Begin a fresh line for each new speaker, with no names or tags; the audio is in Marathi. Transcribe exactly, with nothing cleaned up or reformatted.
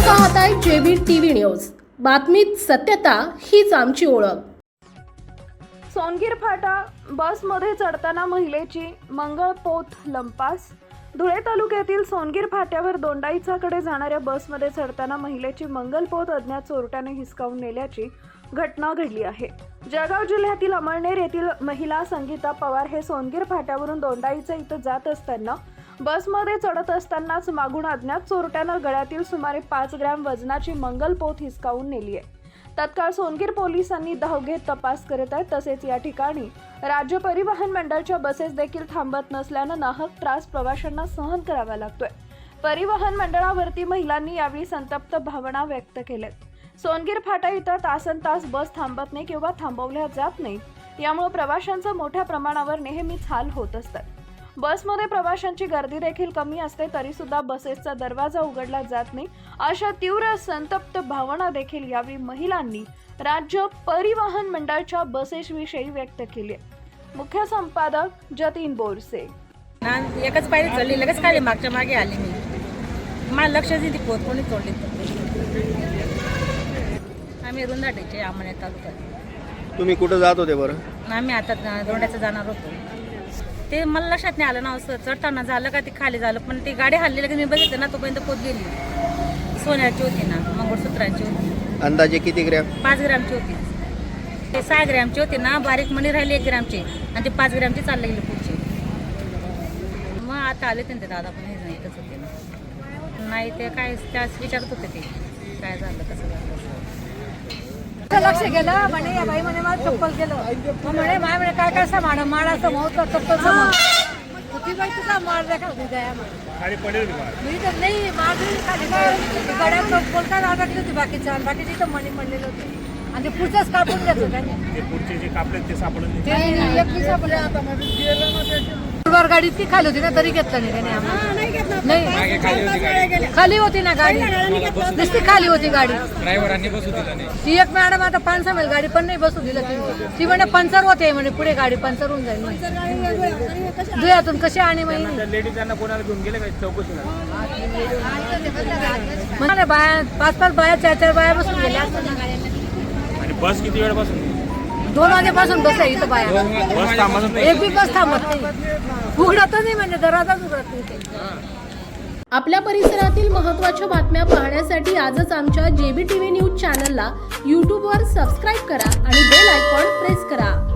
पाहताय जेबी टीव्ही न्यूज। बातमीत सत्यता हीच आमची ओळख।
सोनगीर फाटा बसमध्ये चढताना महिलेची मंगळपोत लंपास। धुळे तालुक्यातील सोनगीर फाट्यावर दोंडाईचाकडे जाणाऱ्या बसमध्ये चढताना महिलेची मंगलपोत अज्ञात चोरट्याने हिसकावून नेल्याची घटना घडली आहे। जळगाव जिल्ह्यातील अमळनेर येथील महिला संगीता पवार हे सोनगीर फाट्यावरून दोंडाईचा इथं जात असताना बसमध्ये चढत असतानाच मागून अज्ञात चोरट्यानं गळ्यातील सुमारे पाच ग्रॅम वजनाची मंगलपोत हिसकावून नेली आहे। तत्काळ सोनगीर पोलिसांनी धाव घेत तपास करत आहेत। तसेच या ठिकाणी राज्य परिवहन मंडळाच्या बसेस देखील थांबत नसल्यानं नाहक त्रास प्रवाशांना सहन करावा लागतोय। परिवहन मंडळावरती महिलांनी यावेळी संतप्त भावना व्यक्त केल्यात। सोनगीर फाटा इथं तासन तास बस थांबत नाही किंवा थांबवल्या जात नाही, यामुळे प्रवाशांचा मोठ्या प्रमाणावर नेहमीच हाल होत असतात। बसमध्ये प्रवाशांची गर्दी देखील कमी असते तरी सुद्धा बसेसचा दरवाजा उघडला जात नाही, अशा तीव्र संतप्त भावना देखील यावेळी महिलांनी राज्य परिवहन मंडळाच्या बसेसविषयी व्यक्त केली आहे। मुख्य संपादक जतीन बोरसे।
एकच पायरी चढली, लगेच खाली मागच्या मागे आली मी, मला लक्षच नाही ती पोत कोणी तोडली। आम्ही रुंदाटेचे आम्हाला तालुक्यात।
तुम्ही कुठं जात होते बरं?
आम्ही आता दोंड्याचं जाणार होतो, ते मला लक्षात नाही आलं ना, असं चढताना झालं का ते खाली झालं, पण ती गाडी हल्ली की मी बघितलं ना तोपर्यंत पोत गेली। सोन्याची होती ना, मंगळसूत्राची होती।
अंदाजे किती ग्रॅम?
पाच ग्रॅमची होती। ते सहा ग्रॅमची होती ना, बारीक मणी राहिली एक ग्रॅमची आणि ते पाच ग्रॅमची चालले गेली पुढची। मग आता आले ते दादा पण हे एकच होते ना, नाही ते काय त्याच विचारत होते ते काय झालं कसं झालं।
लक्ष गेलं म्हणे या बाई म्हणे मला चप्पल गेलं, मग म्हणे माय म्हणे काय काय सामान माळाचं महोत्सव चप्पल सामान होती बाई, तुझा माळ देखा होती द्या खाली पडेल मी तर नाही माळ खाली काय गड्या चप्पल काय राहत होती बाकीच्या बाकीची तर मणी पडलेलं होते आणि ते पुढचंच कापून घेतलं त्याने, ते पुढचे जे कापले ते सापडले ते सापडले। आता गाडी ती खाली होती ना तरी घेतलं नाही त्याने आम्हाला, नाही खाली होती ना गाडी, नुसती खाली होती गाडी, ड्रायव्हरांनी बसू दिलं नाही। ती एक मॅडम आता पाच सहा मैल गाडी पण नाही बसू दिलं ती, ती म्हणे पंचर होते म्हणे, पुढे गाडी पंचर होऊन जाईल धुयातून कशी आणि लेडीजांना कोणाला घेऊन गेले काय चौकशीला म्हणे बाया पाच पाच बाया चार चार बाया बसून गेल्या।
आणि बस किती वेळ बसून?
दोन वाजेपासून बस आहे इथं बाया, एक बी बस थांबत नाही, उघडत नाही म्हणजे दरवाजाच उघडत नाही।
आपल्या परिसरातील महत्त्वाच्या बातम्या पाहण्यासाठी आजच आमच्या जेबी टीव्ही न्यूज चॅनलला यूट्यूबवर सबस्क्राईब करा आणि बेल आयकॉन प्रेस करा।